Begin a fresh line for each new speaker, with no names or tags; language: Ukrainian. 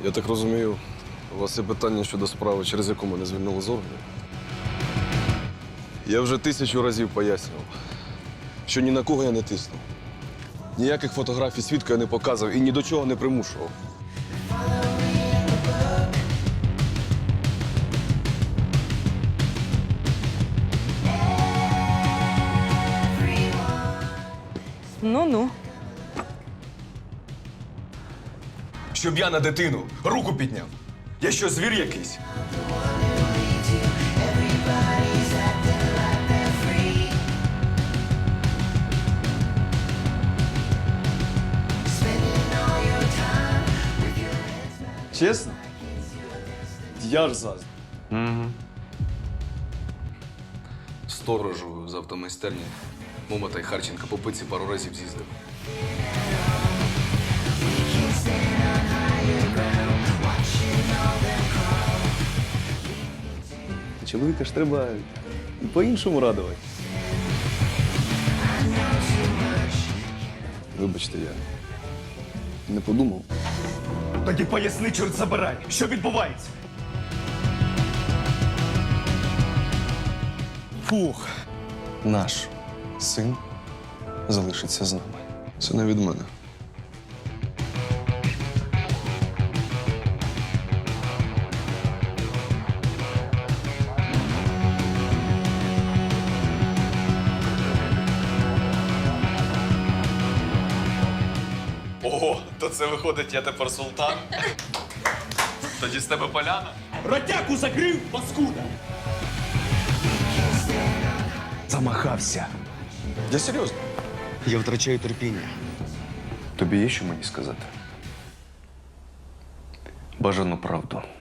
Я так розумію, у вас є питання щодо справи, через яку мене звільнили з органів? Я вже 1000 разів пояснював, що ні на кого я не тиснув. Ніяких фотографій свідка я не показував і ні до чого не примушував.
Ну-ну.
Щоб я на дитину руку підняв. Я що, звір якийсь?
Чесно? Я ж заздрю.
Сторожу з автомайстерні Момота й Харченка по пиці пару разів з'їздив.
Чоловіка ж треба і по-іншому радувати.
Вибачте, я не подумав.
Тоді поясни, чорт забирай, що відбувається?
Фух.
Наш син залишиться з нами.
Це не від мене.
Ого, то це виходить, я тепер султан? Тоді з тебе поляна?
Ротяку закрив, паскуда! Замахався.
Я серйозно.
Я втрачаю терпіння. Тобі є що мені сказати? Бажану правду.